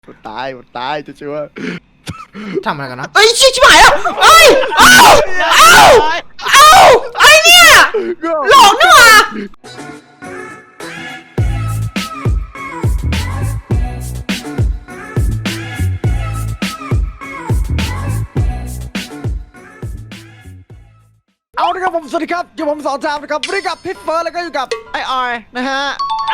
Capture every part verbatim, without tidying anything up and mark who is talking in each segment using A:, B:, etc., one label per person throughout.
A: มันตายมันตายจะชัวร์
B: ทำอะไรกันนะเอ้ยชิบหายแล้วเอ้ยเอ้าเอ้าเอ้าไอเนี่ยหลอกนี่หว่า
A: เอาละครับผมสวัสดีครับอยู่ผมสอนจามนะครับวันนี้กับพิทเฟิร์สแล้วก็อยู่กับไอออยนะฮะ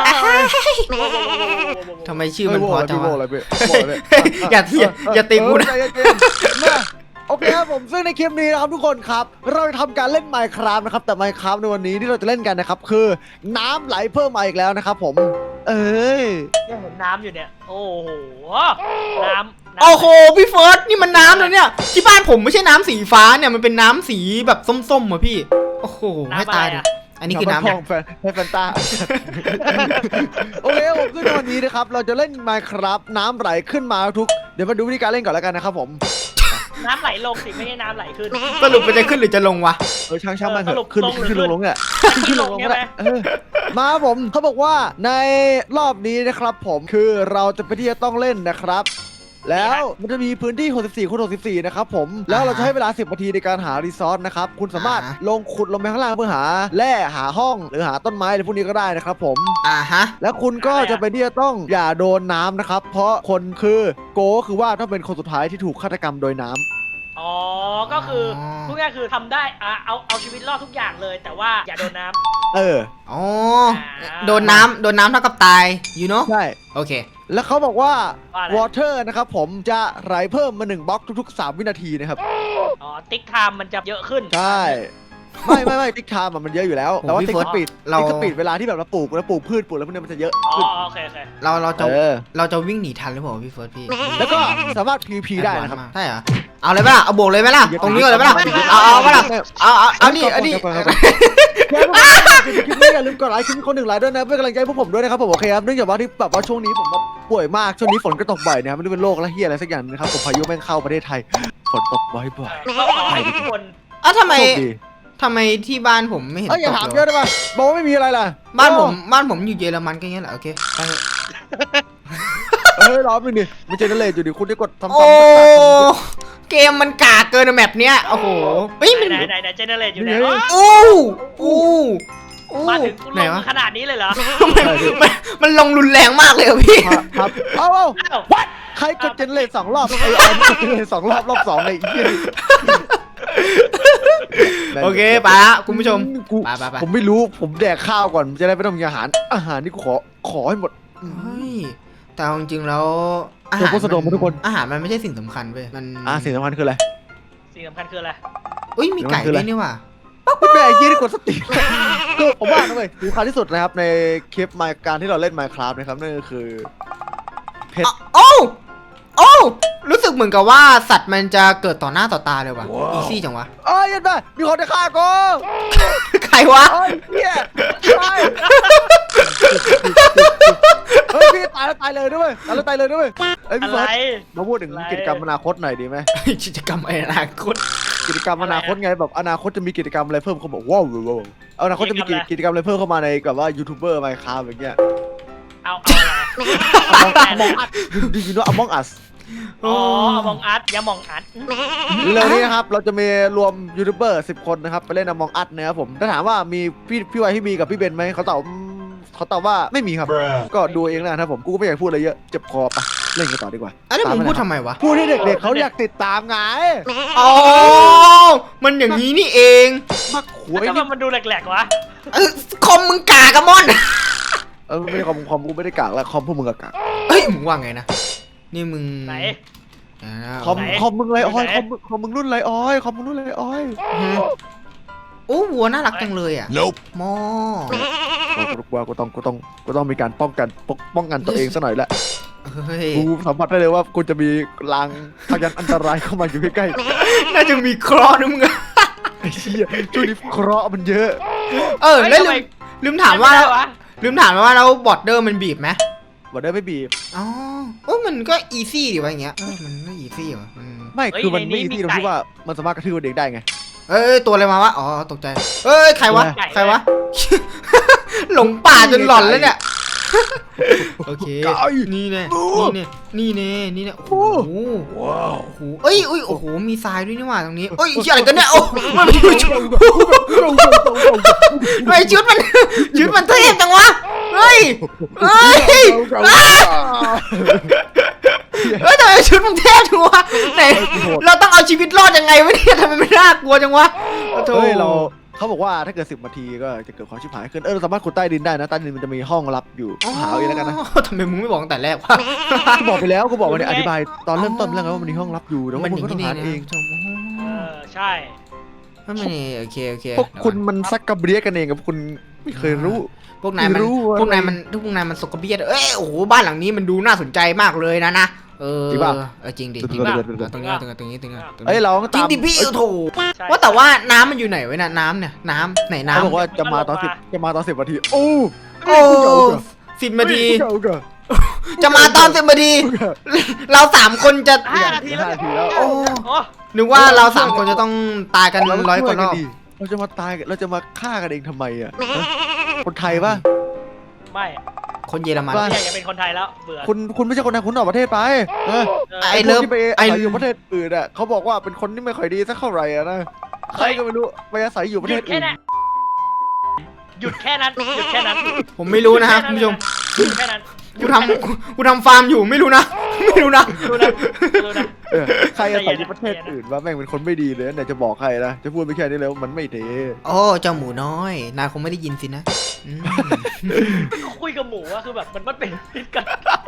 B: ทำไมชื่อมันพอจังวะ
A: อะไรเว้ย
B: อย่าเทียอย่าตีกูนะ
A: โอเคครับผมซึ่งในคลิปนี้นะครับทุกคนครับเราจะทำการเล่น Minecraft นะครับแต่ Minecraft ในวันนี้ที่เราจะเล่นกันนะครับคือน้ำไหลเพิ่มมาอีกแล้วนะครับผมเอ้ย
C: ยังเห็นน้ำอยู่เนี่ยโอ้โหน้ำ
B: โอ้โหพี่เฟิร์สนี่มันน้ำเลยเนี่ยที่บ้านผมไม่ใช่น้ำสีฟ้าเนี่ยมันเป็นน้ำสีแบบส้มๆอ่ะพี่โอ้โหให้ตายดิอันนี้คือน้ำ
A: ของแฟนให้แฟนตาโอเคผมซึ่งในวันนี้นะครับเราจะเล่น Minecraft น้ำไหลขึ้นมาทุกเดี๋ยวมาดูวิธีการเล่นก่อนแล้วกันนะครับผม
C: น้ำไหลลงสิไม่ใช่น้ำไหลขึ้น
B: สรุปมันจะขึ้นหรือจะลงวะ
A: เออช่างช่างมันเถอะขึ้นขึ้นลงลงเนี่ยขึ้นลงลงเนี่ยมาผมเขาบอกว่าในรอบนี้นะครับผมคือเราจะไปที่จะต้องเล่นนะครับแล้วมันจะมีพื้นที่หกสิบสี่คูณหกสิบสี่นะครับผมแล้วเราจะให้เวลาสิบนาทีในการหารีซอสนะครับคุณสามารถลงขุดลงไปข้างล่างเพื่อหาแร่หาห้องหรือหาต้นไม้อะไรพวกนี้ก็ได้นะครับผม
B: อ่าฮะ
A: แล้วคุณก็จะเป็นที่จะต้องอย่าโดนน้ำนะครับเพราะคนคือโกคือว่าต้องเป็นคนสุดท้ายที่ถูกฆาตกรรมโดยน้ำ
C: อ๋อก็คือพูดง่ายคือทำได้อ่ะเอาเอาชีวิตรอดทุกอย่างเลยแต่ว่าอย่าโดนน้
A: ำเออ
B: อ๋อโดนน้ำโดนน้ำเท่ากับตาย you know
A: ใช่
B: โอเค
A: แล้วเขาบอกว่า water นะครับผมจะไหลเพิ่มมาหนึ่งบล็อกทุกๆสามวินาทีนะครับ
C: อ๋อติ๊กไทม์มันจะเยอะขึ้น
A: ใช่ไม่ไม่ไม่ติ๊กไทม์มันเยอะอยู่แล้วแต่ว่าติ๊กสปีดติ๊กสปีดเวลาที่แบบเราปลูกแล้วปลูกพืชปลูกแล้วพวกนี้มันจะเยอะ
C: อ๋อโอเคโอเค
B: เราเราจะเราจะวิ่งหนีทันหรือเปล่าพี่เฟิร์สพี่
A: แล้วก็สามารถ พี วี พี ได้นะครับ
B: ใช่เหรอเอาเลยป่ะเอาโบกเลยไหมล่ะตรงนี้ก่อนเลยป่ะเอาเอาป่ะล่ะเอาเอาเอานี่อันนี้
A: คลิปนี้อย่าลืมกดไลค์คลิปคนหนึ่งไลค์ด้วยนะเพื่อกำลังใจพวกผมด้วยนะครับผมโอเคครับเนื่องจากว่าที่แบบว่าช่วงนี้ผมป่วยมากช่วงนี้ฝนก็ตกบ่อยนะครับไม่รู้เป็นโรคและเฮียอะไรสักอย่างนะครับผมพายุแม่งเข้าประเทศไทยฝนตกบ่อยบ่อย
C: ทุกคน
B: อ้าวทำไมทำไมที่บ้านผมไม่เห็นตกเลย
A: อย่าถามเยอะได้ป่ะบอกว่าไม่มีอะไรล่ะ
B: บ้านผมบ้านผมอยู่เยอรมันก็อย่างนี้แหละโอเค
A: เฮ้ยรอบนึงดิมันเจเนเรตอยู่ดิคุณได้กดซ้ำๆ
B: โอ้เกมมันกากเกินแมปเนี้ยโอ้โหเฮ้ย
C: ไหนไหนไหนเจเนเรตอยู่ไหน
B: อู้อู้
C: มาถึงลงขนาดนี้เลยเหรอ
B: มันมันลงรุนแรงมากเลยพี่
A: ครับเอ้าวัดใครกดเจเนเรตสองรอบไอ้ออยกดเจเนเรตสองรอบรอบสองเลยอีก
B: โอเคไปละคุณผู้ชมไปไปไป
A: ผมไม่รู้ผมแดกข้าวก่อนจะได้ไม่ต้องมีอาหารอาหารนี่กูขอขอให้หมด
B: เฮ้ยแต่จริงๆแล้วอาหาร
A: ทุกคน
B: อาหารมันไม่ใช่สิ่งสำคัญเว้ยมัน
A: อ่าสิ่งสำคัญคืออะไร
C: สิ่งสำคัญคืออะไร
B: อุ้ยมีไก่ด้วยนี่ว่ะ
A: แม่ยี่ที่กดสติก็ผมว่านะเว้ยสำคัญที่สุดนะครับในคลิปมาการที่เราเล่น Minecraft นะครับนั่นก็คือเพชร
B: โอ้โอ้รู้สึกเหมือนกับว่าสัตว์มันจะเกิดต่อหน้าต่อตาเลยว่ะอีซี่จังวะ
A: เอ้ยยันไปมีคนจะฆ่ากู
B: ใครวะ
A: เฮ้ยเนี่ยเฮ้ยพี่ตายแล้วตายเลยด้วยตายแล้วตายเลยด้วยไอ้พี่เฟิร์สมาพูดถึงกิจกรรมอนาคตหน่อยดีไหม
B: กิจกรรมอนาคต
A: กิจกรรมอนาคตไงแบบอนาคตจะมีกิจกรรมอะไรเพิ่มเขาบอกว้าวว้าวอนาคตจะมีกิจกรรมอะไรเพิ่มเข้ามาในแบบว่ายูทูบเบอร์ไมค์คราฟอย่างเงี้ย
C: เอาเอา
A: อะไร ดูยูโน่อมองอัส
C: อ๋อมองอัดอย่ามองอัด
A: เรื่องนี้นะครับเราจะมีรวมยูทูบเบอร์สิบคนนะครับไปเล่นอมองอัดนะครับผมถ้าถามว่ามีพี่พี่ไวพี่มีกับพี่เบนไหมเขาตอบเขาตอบว่าไม่มีครับก็ดูเองนะครับผมกูก็ไม่อยากพูดอะไรเยอะเจ็บคอปะเล่นกันต่อดีกว่า
B: อันนี้มึงพูดทำไมวะ
A: พูดให้เด็กๆเขาอยากติดตามไง
B: อ๋อมันอย่างนี้นี่เอง
A: มักหวย
C: นี่มันดูแหลกๆวะ
B: คอมมึงกากะมอน
A: เออไม่ใช่คอมคอมกูไม่ได้กากแล้วคอมพวกมึงกาก
B: เฮ้ยมึงว่าไงนะนี่มึง
C: ไหน
A: คอมคอมมึงไรอ้อยคอมคอมมึงรุ่นไรอ้อยคอมมึงรุ่นไรอ้อย
B: โอ้วัวน่ารักจังเลยอ่ะมอ
A: กูว่ากูต้องกูต้องกูต้องมีการป้องกันป้องกันตัวเองซะหน่อยแหละกูสัมผัสได้เลยว่ากูจะมีลางพยันอันตรายเข้ามาอยู่ใกล้
B: ๆน่าจะมีเคราะห์นะมึง
A: ไอ้เชี่ยช่วงนี้เคราะห์มันเยอะ
B: เออแล้วลืมลืมถามว่าลืมถามว่าแล้วบอร์ดเดอร์มันบีบไหม
A: บอร์ดเดอร์ไม่บีบ
B: อ๋อโอ้มันก็อีซี่ดีวะอย่างเงี้ยมันก็อีซี่ว่ะ
A: ไม่คือมันไม่อีซี่ตรงที่ว่ามันสามารถกระทืบเด็กได้ไง
B: เอ้ยตัวอะไรมาวะอ๋อตกใจเอ้ยใครวะใครวะหลงป่าจนหลอนแล้วเนี่ยโอเค
A: ไก่
B: นี่แน่
A: โอ้
B: นี่แน่นี่แน่นี่แน่โอ้โห
A: ว้าว
B: โอ้โหเอ้ยเอ้ยโอ้โหมีทรายด้วยนี่หว่าตรงนี้เอ้ยเชี่ยอะไรกันเนี่ยโอ้มันไม่ชุดไอ้ชุดมันชุดมันเทพจังวะเฮ้ยเฮ้ยเฮ้ยทำไมชุดมันเทพจังวะไหนเราต้องเอาชีวิตรอดยังไงวะเนี่ยทำไมไม่น่ากลัวจังวะโธ่
A: เฮ้ยเราเขาบอกว่าถ้าเกิดสิบนาทีก็จะเกิดความชิบหายขึ้นเออเราสามารถขุดใต้ดินได้นะใต้ดินมันจะมีห้องลับอยู่หาเอาเองแล้วกันนะ
B: ทำไมมึงไม่บอกตั้งแต่แรกวะ
A: กูบอกไปแล้วกูบอกไปเนี่ยอธิบายตอนเริ่มต้นแล้วไงว่ามันมีห้องลับอยู่แล้ว
B: มัน
A: มึ
B: อง ย่า
A: ก็
B: ง
A: ต้
B: นี้
A: อง
B: นี่
A: หาเอง
B: นะ
C: เออใช่
B: มันไม่โอเคโอเค
A: พวกคุณมันซักกระเบียกันเองกับคุณไม่เคยรู้
B: พวกนายมัน
A: ไม่รู้อะไร
B: พวกนายมันพวกนายมันสกปรกเอ้ยโอ้โหบ้านหลังนี้มันดูน่าสนใจมากเลยนะนะเออ
A: จริงป่ะ
B: เออจริงดิ
A: จริ
B: จริ
A: ง
B: ง
A: ป่ะ
B: ตรงนี้ตรงนี้ตรงนี้ตรงนี้ตรงนี้
A: เอ้ยเราต้อง
B: จริง
A: ตาม
B: ดิพี่
A: เอ้ย
B: โถ
C: ใช่
B: ว่าแต่ว่าน้ำมันอยู่ไหนไว้น่ะน้ำเนี่ยน้ำไหนน้ำ
A: เขาบอกว่าจะมาตอนสิบจะมาตอนสิบนาทีโอ้
B: โอ้สิบนาที
A: เก่าเก่า
B: จะมาตอนสิบนาที เราสามคนจะ
C: ห้านาทีแล้ว
A: ห้านาทีแล้ว
C: โอ้โห
B: นึกว่าเราสามคนจะต้องตายกัน
A: เรา
B: ร้อยกว่ารอบ
A: ดีเราจะมาตายเราจะมาฆ่ากันเองทำไมอ่ะคนไทยป่ะ
C: ไม่
B: คนเยอรมัน
A: ว่า
C: ไม่อยากจะเป็นคนไทยแล้วเบื่อ
A: คุณคุณไม่ใช่คนไทยคุณออกประเทศไปเออ
C: เออ
B: ไอ้เลิฟ
A: พวกที่ไป
B: ไอ้
A: อาศัยอยู่ประเทศอื่นอ่ะเขาบอกว่าเป็นคนที่ไม่ค่อยดีสักเท่าไหร่อ่ะนะใครก็ไม่รู้ไปอาศัยอยู่ประ
C: ห
A: เท
C: ยุ
A: ศ
C: ดแค่
A: อื่น
C: นั้นหยุดแค่นั้นหยุดแค่นั้น
B: ผมไม่รู้นะครับคุณผู้ชม
C: หยุดแค่นั้น
B: กูทำกูกูทำฟาร์มอยู่ไม่รู้นะ ไม่รู้นะ
C: ดูนะดูนะ
A: เออใครอาศัยอยู่ประเทศอื่นว่าแม่งเป็นคนไม่ดีเลยไหนจะบอกใครนะจะพูดไปแค่นี้แล้วมันไม่ดี
B: โอ้เจ้าหมูน้อยนายคงไม่ได้ยินสินะอืม
C: คุยกับหมูอะคือแบบมันมันเป็นพิษกัน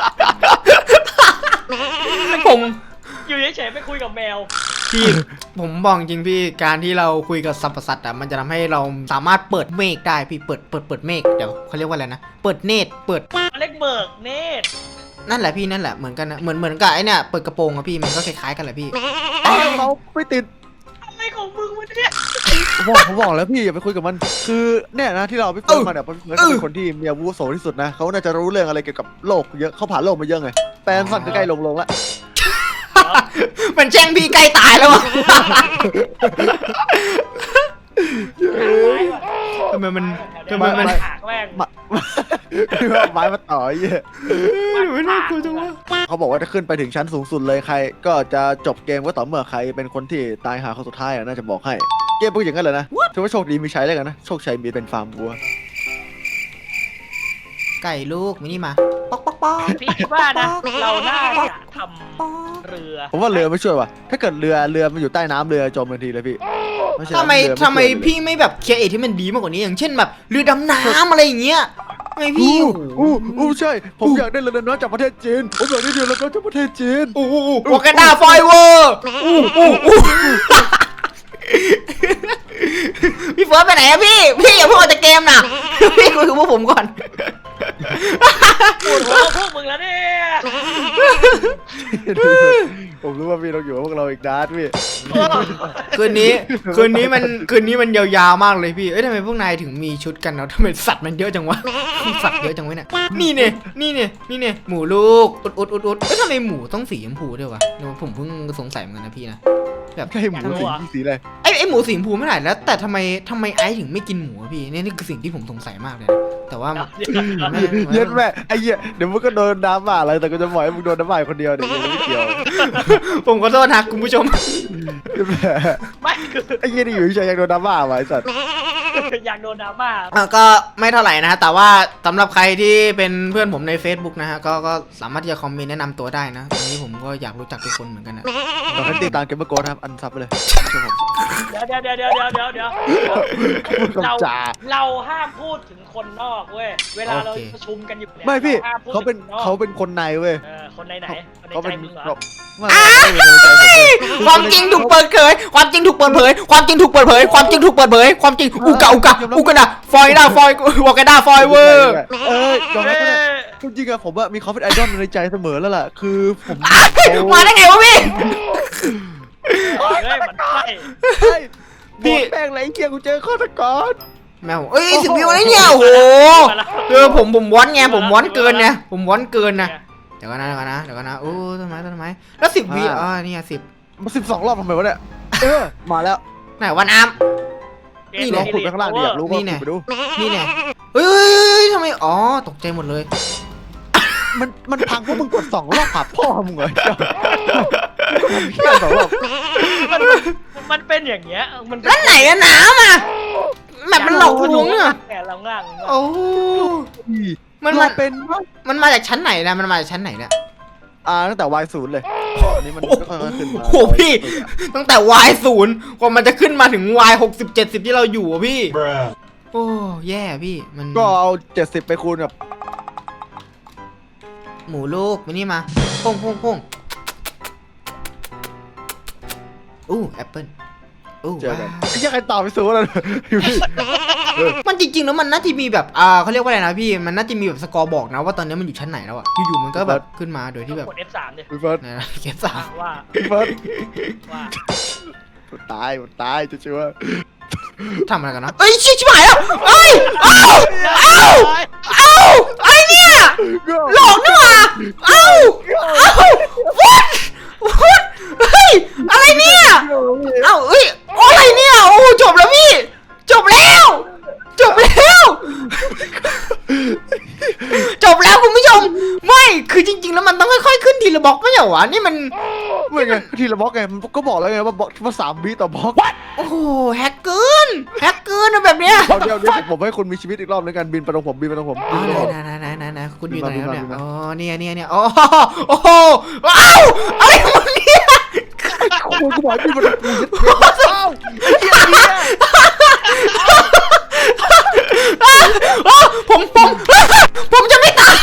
B: ผม
C: อยู่เฉยๆไปคุยกับแมว
B: พี่ผมบอกจริงพี่การที่เราคุยกับสัตว์ประสัตว์อ่ะมันจะทำให้เราสามารถเปิดเมฆได้พี่เปิดเปิดเปิดเมฆเดี๋ยวเขาเรียกว่าอะไรนะเปิดเนตรเปิด
C: เล็กเบิกเนตร
B: นั่นแหละพี่นั่นแหละเหมือนกันนะเหมือนเหมือนกับไอ้เนี่ยเปิดกระโปรงอะพี่มันก็คล้ายๆกันแหละพี่
A: เราไม่ติด
C: อะไรของมึงวะเนี่ย
A: ผมบอกผมบอกแล้วพี่อย่าไปคุยกับมัน คือเนี่ยนะที่เราไปคุยกับมันเนี่ยเพราะพี่เฟิร์สเขาเป็นคนที่มีอาวุโสที่สุดนะเขาน่าจะรู้เรื่องอะไรเกี่ยวกับโลกเยอะเขาผ่านโลกมาเยอะไงแปลนสั่นก็ใกล้ลงลงละ
B: มันแช่งพี่ใกล้ตายแล้วอะทำไมมันทำไมมัน
C: หากแม่ง
A: มาคือว่าไม้มาต่อไอ้เหี้ย
B: ไม่น่ากลัวจังวะ
A: เขาบอกว่าถ้าขึ้นไปถึงชั้นสูงสุดเลยใคร ก็จะจบเกมก็ต่อเมื่อใครเป็นคนที่ตายหาคนสุดท้ายอ่ะน่าจะบอกให้เกมพูดอย่างนั้นเลยนะถือว่าโชคดีมีใช้แล้วกันนะโชคชัยมีเป็นฟาร์มวัว
B: ไก่ลูกมินี่มาป๊อกป๊อกป๊อก
C: พี่คิดว่านะ เราน่าจะทำเรือ
A: ผมว่าเรือไม่ช่วยว่ะถ้าเกิดเรือเรือมันอยู่ใต้น้ำเรือจมทันทีเลยพี่เพราะฉะนั้น
B: ทำไม
A: เรือ
B: ทำไม
A: ช่วยเลย
B: พี่ไม่แบบเคลียร์เอทที่มันดีมากกว่านี้อย่างเช่นแบบเรือดำน้ำอะไรอย่างเงี้ยทำไมพี่
A: อู้อู้อู้ใช่ ผมอยากได้เรือดำน้ำจากประเทศจีน ผมอยากได้เรือดำน้ำจากประเทศจีน
B: โอ้โหวอกันดาไฟเวอร์อู้อู้อู้พี่เฟิร์สไปไหนอะพี่ พี่อย่าเพิ่งออกจากเกมนะพี่คุยกับพวกผมก่อน
C: ปวดหัวพวกมึงแล้วเนี่ย
A: ผมรู้ว่าพี่ต้องอยู่กับพวกเราอีกนานพี่
B: คืนนี้คืนนี้มันคืนนี้มันยาวๆมากเลยพี่ เอ้ยทำไมพวกนายถึงมีชุดกันเนาะทำไมสัตว์มันเยอะจังวะ สัตว์เยอะจังวะเนี่ย นี่เนี่ยนี่เนี่ยนี่เนี่ยหมูลูกอุดอุดอุดอุดเอ้ยทำไมหมูต้องสีชมพูด้วยวะเดี๋ยวผมเพิ่งสงสัยเหมือนกันนะพี่นะแบบ
A: ใช่หมูสีสีอะไร
B: ไอ้ไอ้หมูสีชมพูไม่ไหนแล้วแต่ทำไมทำไมไอซ์ถึงไม่กินหมูอะพี่นี่นี่คือสิ่งที่ผมสงสัยมากเลยนะแต่ว่ามัน
A: เย็นแม่ไอ้เหี้ยเดี๋ยวมึงก็โดนน้ำบ้าอะไรแต่ก็จะปล่อยให้มึงโดนน้ำบ้าคนเดียวเดี๋ยวมึงไม่เกี่ยว
B: ผมขอโทษนะคุณผู้ชม
A: เย็นแม่
C: ไม่คือ
A: ไอ้เหี้ยนี่อยู่เฉยๆยังโดนน้ำบ้าว่ะไอ้สัตว์
C: อยากโดนดราม่า
B: อ่ะก็ไม่เท่าไหร่นะฮะแต่ว่าสำหรับใครที่เป็นเพื่อนผมใน Facebook นะฮะก็ก็สามารถที่จะคอมเมนต์แนะนำตัวได้นะตอนนี้ผมก็อยากรู้จักทุกคนเหมือนกันนะ
A: ตอนนี้ติดตามเกมเมอร์โกนะครับอันซับไปเลย
C: เดี๋ยวเดี๋ยวเดี๋ยวเดี๋ยวเดี๋ยวเดี๋ยว
A: พูด
C: เรา
A: คำจา
C: เราห้ามพูดถึงคนนอกเว้ยเวลาเรา
B: โอเค
C: ประชุมกันอยู่เนี่ย
A: ไม่พี่
C: รห้มพูด
A: เขาเป็น
C: ถึงค
A: เขาเป็นคนในเว้ย
C: เออคนในไหนคนใน
A: เขา
C: ใจ
A: เป็น
C: มึงเหรอ
A: แบบไม่ไม่เป็นคนในใจผมเลย
B: ความจริงถูกเปิดเผยความจริงถูกเปิดเผยความจริงถูกเปิดเผยความจริงถูกเปิดเผยความจริงอุกะอุกะอุกะนะฟอยด้าฟอยวอกาด้าฟอยเวอร์
A: เอ้ยยอมรับ
C: เอ้
A: ก็ได้
C: ย
A: จริงๆอะผมว่ามีเขาเป็นไอดอลในใจเสมอแล้วล่ะ คือผม
B: มาได้ไงวะพี่
C: เฮ้ยมันใช่
A: เฮ้ย
B: พี่
A: พี่แป้งไรเกียร์กูเจอฆาตกร
B: แมวเอ้ยสิบวิวอะไรเนี่ยโอ้โหเออผมผมวอนไงผมวอนเกินไงผมวอนเกินนะเดี๋ยวกันนะเดี๋ยวกันนะเดี๋ยวกันนะโอ้ต้นไม้ต้นไม้แล้วสิบวิอ่านี่สิบ
A: มาสิบสองรอบทำไมวะเนี่ยเออมาแล้ว
B: ไหนวันอาม
C: เกม
A: ลองขุดไปข้างล่างดิอยากรู้ว่า
B: นี่ไง
A: ขุดไปดู
B: นี่เนี่ยเฮ้ยเฮ้ยเฮ้ยทำไมอ๋อตกใจหมดเลย
A: มันมันพังเพราะมึงกดสองรอบขับพ่อมึงเหรอเหี้ยสองรอบ
C: มันมันเป็นอย่างเงี้ยมันเป็
B: แล้วไหนอะน้ำอะแบบมันหลอกลวงอะ
C: แกเราง่าง
B: โอ้ มัน
A: เรา
B: มัน
A: เป็น
B: มันมาจากชั้นไหนนะมันมาจากชั้นไหนเนี่ย
A: อ่าตั้งแต่ Y ศูนย์เลยอันนี้มัน
B: โอ้
A: ค่อยๆขึ้นมา
B: โหพี่ ตั้งแต่ Y ศูนย์กว่ามันจะขึ้นมาถึง Y หกสิบเจ็ดสิบที่เราอยู่อะพี่ โอ้แย่พี่มัน
A: ก็เอาเจ็ดสิบไปคูณกับ
B: หมูลูกมานี่มาโป้งโป้งโป้งอู้แอปเปิ้ลอู้
A: เจอกัน
B: ว้าว
A: ไอ้เหี้ยังใครตอบไปสูงแล้วพี่
B: มันจริงๆแล้วมันน่าจะมีแบบอ่าเขาเรียกว่าอะไรนะพี่มันน่าจะมีแบบสกอร์บอกนะว่าตอนนี้มันอยู่ชั้นไหนแล้วอะอยู่ๆมันก็แบบขึ้นมาโดยที่แบบ
C: กด เอฟ สามดิ
A: พี่เฟิร์ส
B: นะเก็บสาม
C: ว่า
A: พี่เฟิร์ส
C: ว่า
A: มันตายมันตายจะชัวร์
B: ทำอะไรกันนะเอ้ยชิบชิบหายแล้วเอ้ยเอ้าเอ้าเอ้าไอ้เนี่ยหลอกนี่หว่าเอ้าเอ้า what what เฮ้ยอะไรเนี่ยเอ้าเอ้ยอะไรเนี่ยโอ้จบแล้วพี่จบแล้วจบแล้วจบแล้วคุณผู้ชมไม่คือจริงๆแล้วมันต้องค่อยๆขึ้นทีละบล็อกไม่ใช่เหรอวะนี่มัน
A: ไม่ไงทีละบล็อกไงมันก็บอกแล้วไงว่าบล็อกว่าสามวิต่อบล็อก
B: โอ้โหแฮกเกินแฮกเกินอะแบบเนี้ย
A: เอาเดี๋ยวเดี๋ยวผมให้คุณมีชีวิตอีกรอบในการบินไปตรงผมบินไปตรงผม
B: อ๋
A: บิ
B: อน
A: ไปตรงผม
B: ไหนไหนไหนไหนไหนคุณอยู่ไหนครับเนี่ย
A: บินมา
B: อ๋อเนี่ยเนี่ยเนี่ยอ๋อโอ้โหว้าวอะไรของมึงเนี่ย
A: คุณกูบอกให้บินไปตรงผมเอ้าไอ้เหี้ยเนี่ย
B: อ้าวผมผมผมจะไม่ตาย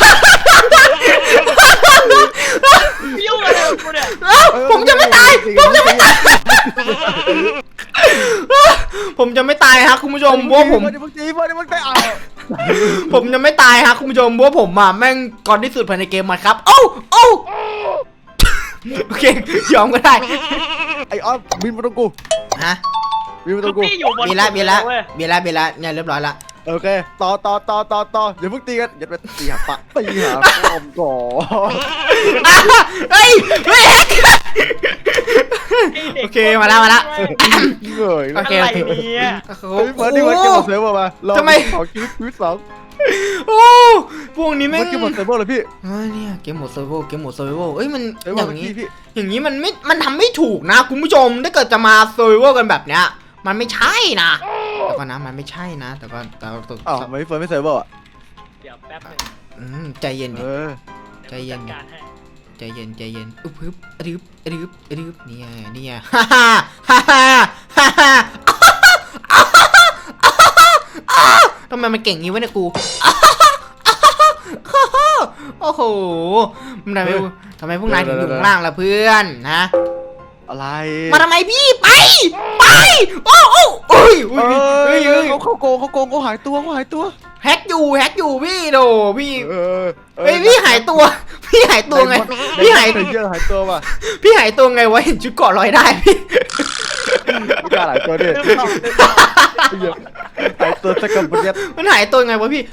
C: ยุ่งอะไรกับกูเนี่ย
B: อ้าวผมจะไม่ตายผมจะไม่ตายผมจะไม่ตายฮะคุณผู้ชมเพราะผม
A: เดี๋ยวมึงตีเดี๋ยวมึงตีเอา
B: ผมจะไม่ตายฮะคุณผู้ชมเพราะผมอ่ะแม่งก่อนที่สุดภายในเกมมาครับโอ้โอ้โอเคยอมก็ได้
A: ไอ้ออฟบินมาตรงกู
B: ฮะ
A: บินมาต
C: คื
A: ร
C: อง
A: กู
C: พี่อยู่บน
B: เบียร์ละเบียร์ละ
C: ว้
B: เบียร์ละเบียร์ละเนี่ยเรียบร้อยละ
A: โอเคต่อต่อต่อต่อต่ออย่าเพิ่งตีกันอย่าไปตีหาปะตีหาปอมก่อน
B: เฮ้ยเฮ้ย
C: ได็ก
B: โอเคมาแล้วมาแล้ว
A: เหนื่อย
B: โอ
A: แล้ว
B: เค
C: อะไร
B: โอเค
C: เนี่ย
A: เฮ้ยเฟิร์สนี่มันเกมหมดเซิร์ฟเวอร์มาเรา
B: ทำไม
A: ขอชีวิตชีวิตสอง
B: โอ้พวกนี้แม่
A: มัน
B: ง
A: เกมหมดเซิร์ฟเวอร์เลยพี่
B: เฮ้ยเนี่ยเกมโหมดเซอร์ไวเกมโหมดเซอร์ไวเอ้ยมัน
A: เซิร์ฟ
B: อ
A: เวอร์
B: ย่างนี้
A: พี่
B: อย่างนี้มันไม่มันทำไม่ถูกนะคุณผู้ชมถ้าเกิดจะมาเซอร์ไวกันแบบเนี้ยมันไม่ใช่นะแต่ก็นะมันไม่ใช่นะ แต่ก็แต่ก็
A: อ้าวทำไมพี่เฟิร์สไม่เซิร์ฟเวอร์อ่ะ
C: เดี๋ยวแป๊บนึง
B: อืมใจเย็น
A: เอ
B: ดิ
A: อ
B: ใจเย็น
C: ดี๋วผมจัดการให้
B: ใจเย็นใจเย็นอึบอึบอะดึบอะดึบอะดึบเนี่ยเนี่ยฮ่าฮ่าฮ่าฮ่าฮ่าฮ่าทำไมมันเก่งงี้วะเนี่ยกูโอ้โหมันทำไมทำไมพวกนายถึงอยู่ข้างล่างล่ะเพื่อนนะ
A: อะไร
B: มาทำไมพี่ไปไปโอ้โอ้โอ้ย
A: เอ
B: เฮ้ย
A: อ
B: เฮ้ยเฮ้ย
A: เขาเขาโกงเขาโกงเขาหายตัวเขาหายตัว
B: แฮกอยู่แฮกอยู่พี่โดพี่
A: เออ
B: เฮ้ยพี่หายตัว พี่หายตัวไง พี่หาย
A: เยอะหายตัวว่ะ
B: พี่หายตัวไงวะเห็นชุดเกาะลอยได้พี่
A: ไม่กล้าหายตัวดิหายตัวสักกับเย็ด
B: มันหายตัวไงวะพี่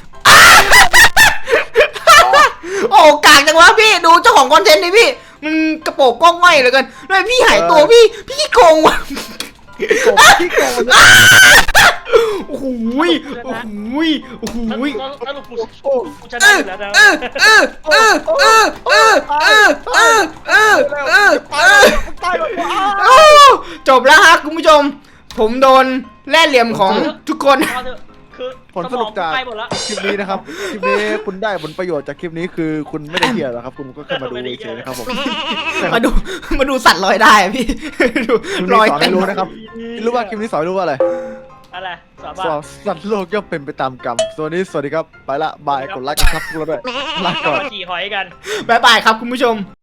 B: โอ้กากจังวะพี่ดูเจ้าของคอนเทนต์ดิพี่มันกระโปรงก้องง่อยเหลยกันแล้วพี่หายตัวพี่พี่โกงวะ
A: โกงที่โกง
B: โอ้โหยโอ้โหยโอ้โหย
C: แล้วแล้วกู
A: โอ้
C: กูช
B: เอ
C: นะ
B: อ
C: อยู่แล้วนะ
B: เออเออเออเออเออเออเออเออเออเออ
A: ตายแล้ว
B: โอ้จบแล้วฮะคุณผู้ชม ผมโดนแล่เหลี่ยมของทุกคน
C: เอาเถอะคือ
A: ผลสรุปจาก
C: ไปหมดแล้ว
A: คลิปนี้นะครับคลิปนี้คุณได้ผลประโยชน์จากคลิปนี้คือคุณไม่ได้เหี้ยหรอกครับคุณก็แค่มาดูเฉยๆนะครับผม
B: มาดูมาดูสัตว์ลอยได้อะพี่ ดู
A: คลิป
B: ล
A: นี้
B: อย
A: สอน
B: เต็
A: ให้
B: ม
A: รู้นะครับรู้ว่าคลิปนี้สอนให้รู้ว่าอะไร
C: อะไรสอบ
A: สอ
C: ว่า
A: นสัตว์โลกย่อมเป็นไปตามกรรมส่วนนี้สวัสดีครับไปละบายกดไลค์ครับพวกเราด้วยลาก่อน
C: มาขี่หอยกัน
B: บ๊ายบายครับคุณผู้ชม